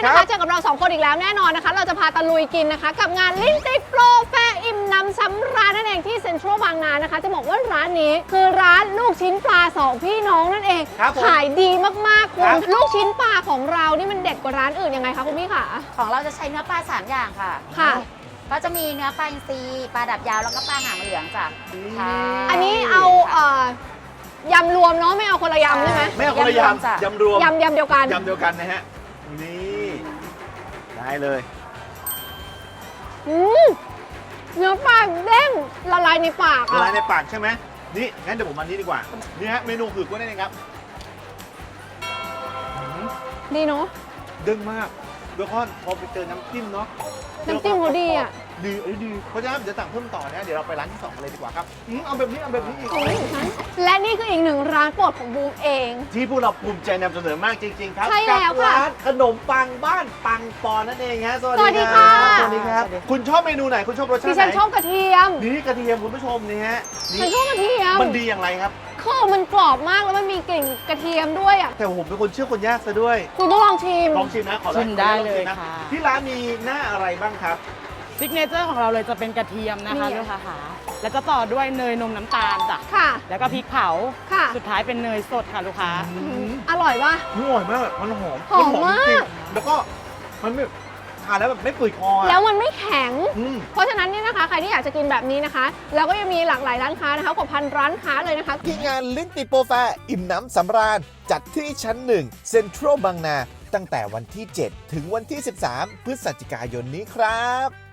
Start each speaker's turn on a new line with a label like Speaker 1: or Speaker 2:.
Speaker 1: นะคะเจอกับเรา2คนอีกแล้วแน่นอนนะคะเราจะพาตะลุยกินนะคะกับงานลิ้นติดโปรแฟร์อิ่มน้ำสำราญนั่นเองที่เซ็นทรัลบางนานะคะจะบอกว่าร้านนี้คือร้านลูกชิ้นปลา2พี่น้องนั่นเองขายดีมากๆคุณลูกชิ้นปลาของเรานี่มันเด็ดกว่าร้านอื่นยังไงคะคุณพี่คะ
Speaker 2: ของเราจะใช้เนื้อปลา3อย่างค่ะก็จะมีเนื้อปลาอินทรีปลาดับยาวแล้วก็ปลาหางเหลืองจ้ะ
Speaker 1: อันนี้เอายำรวมเนาะไม่เอาคนละยำใช่ไหม
Speaker 3: ไม่เอาคนละยำยำรวม
Speaker 1: ยำเดียวกัน
Speaker 3: ยำเดียวกันนะฮะนี่ได้เลย
Speaker 1: เนื้อปลาเด้งละลายในปาก
Speaker 3: ละลายในปากใช่ไหมนี่งั้นเดี๋ยวผมมานี้ดีกว่านี่ฮะเมนูคือกล้วยนั่นเองครับ
Speaker 1: ดีเนาะ
Speaker 3: เด้งมากเบคอนพอไปเจอน้ำจิ้มเนาะ
Speaker 1: น้ำจิ้มเขาดีอ่ะ
Speaker 3: ดีเพราะฉะนั้นเดี๋ยวสั่งเพิ่มต่อนะเดี๋ยวเราไปร้านที่2กันเลยดีกว่าครับเอาแบบนี้อีก
Speaker 1: และนี่คืออีกหนึ่งร้านโปรดของบูมเอง
Speaker 3: ที่พวกเราภูมิใจนำเสนอมากจริงๆครับ
Speaker 1: ใช่แล้วค่ะ
Speaker 3: ร้านขนมปังบ้านปังปอนนั่นเองฮะ
Speaker 1: สวัสดีค่ะ
Speaker 3: สวัสดีครับคุณชอบเมนูไหนคุณชอบรสชาติไหน
Speaker 1: ดิฉันชอบกระเทียม
Speaker 3: นี่กระเทียมคุณผู้ชมนี่ฮะ
Speaker 1: ฉันชอบกระเทียม
Speaker 3: มันดีอย่างไรครับ
Speaker 1: คือมันกรอบมากแล้วมันมีกลิ่นกระเทียมด้วยอ่ะ
Speaker 3: แต่ผมเป็นคนเชื่อคนยากซะด้วย
Speaker 1: คุณต้องลองชิม
Speaker 3: นะขอ
Speaker 2: ชิมได้เลยค่ะ
Speaker 3: ที่ร้านมีหน้าอะไรบ้างครับ
Speaker 4: ซิกเนเจอร์ของเราเลยจะเป็นกระเทียมนะคะลูกค้าค่ะแล้วจะต่อด้วยเนยนมน้ำตาลจ้ะ
Speaker 1: ค่ะ
Speaker 4: แล้วก็พริกเผา
Speaker 1: ค่ะ
Speaker 4: สุดท้ายเป็นเนยสดค่ะลูกค้า
Speaker 1: อร่อยป่ะ
Speaker 3: อร่อยมากมันหอม
Speaker 1: มาก
Speaker 3: แล้วก็มันไม่ทานแล้วแบบไม่ฝืดคอ
Speaker 1: แล้วมันไม่แข็งเพราะฉะนั้นเนี่ยนะคะใครที่อยากจะกินแบบนี้นะคะแล้วก็ยังมีหลากหลายร้านค้านะคะกว่าพันร้านค้าเลยนะคะ
Speaker 5: ที่งานลิ้นติดโปรแฟร์อิ่มน้ำสำราญจัดที่ชั้น1เซ็นทรัลบางนาตั้งแต่วันที่7ถึงวันที่13พฤศจิกายนนี้ครับ